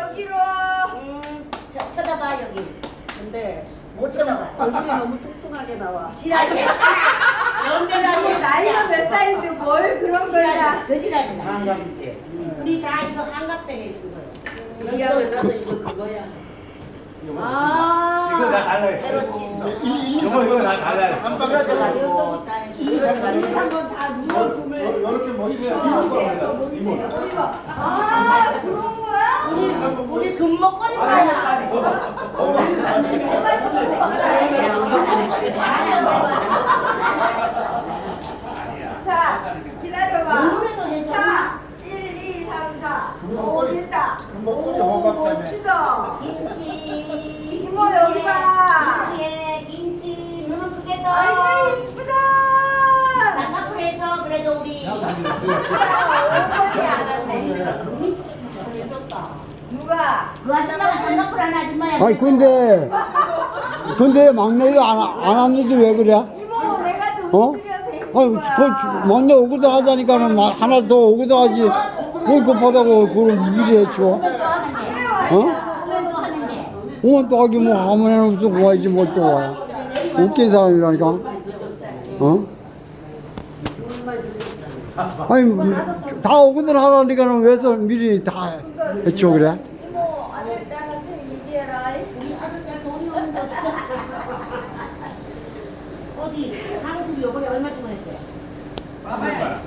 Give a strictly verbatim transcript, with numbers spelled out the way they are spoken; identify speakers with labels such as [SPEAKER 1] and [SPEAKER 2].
[SPEAKER 1] 여기로.
[SPEAKER 2] 음, 쳐, 쳐다봐 여기.
[SPEAKER 3] 근데
[SPEAKER 2] 못 쳐다봐.
[SPEAKER 3] 얼굴이 너무 뚱뚱하게 나와.
[SPEAKER 2] 지랄이야.
[SPEAKER 1] 연주라고 나이가 몇 살인데 뭘 그런 걸 다.
[SPEAKER 2] 저지랄이다.
[SPEAKER 4] 한갑 때.
[SPEAKER 2] 우리 다 이거 한갑 때 해준 거야.
[SPEAKER 3] 이하고 나도 이거 그거야.
[SPEAKER 1] 아.
[SPEAKER 4] 이거 나 달라요.
[SPEAKER 2] 해로치.
[SPEAKER 4] 이거 이거 나 달라요.
[SPEAKER 5] 한
[SPEAKER 2] 그러다가
[SPEAKER 5] 방에
[SPEAKER 2] 연동식 다 해줘.
[SPEAKER 1] 우리 한번 다 누워 꿈을.
[SPEAKER 5] 이렇게 머리가 이모.
[SPEAKER 1] 아 그런 거야?
[SPEAKER 2] 우리 우리 금목걸이 거야.
[SPEAKER 1] 자 기다려봐.
[SPEAKER 2] 노래도 해줘.
[SPEAKER 1] 자 일, 이, 삼, 사. 오 됐다.
[SPEAKER 5] 금목걸이 호박자매.
[SPEAKER 1] 멋지다.
[SPEAKER 2] 김치.
[SPEAKER 1] 이모 여기 봐.
[SPEAKER 2] 김치에 김치 눈은 크게 떠.
[SPEAKER 1] 아이고 이쁘다.
[SPEAKER 2] 쌍꺼풀에서 그래도 우리
[SPEAKER 1] 얼굴이 안 왔네. 누가?
[SPEAKER 2] 그 아줌마가 쌍꺼풀 하는 아줌마야.
[SPEAKER 6] 아니 근데 근데 막내도 안, 안 왔는데 왜 그래?
[SPEAKER 1] 이모 내가
[SPEAKER 6] 어?
[SPEAKER 1] 돈 들여서 해준
[SPEAKER 6] 아니
[SPEAKER 1] 거야.
[SPEAKER 6] 그 막내 오기도 하자니까는 막 하나 더 오기도 하지 왜 급하다고 그런 미리 해줘? 어? 어, 또 하기 뭐 아무나 무슨 와야지 뭘 또 와. 웃긴 사람이라니까. 어? 아니 뭐, 다 오거든 하라니까는 왜서 미리 다 해줘 그래?
[SPEAKER 1] 이모 아들딸한테 얘기해라.
[SPEAKER 2] 우리 아들딸 돈이 없는데 어떡해. 어디? 강수리 요번에 얼마 주고 했대?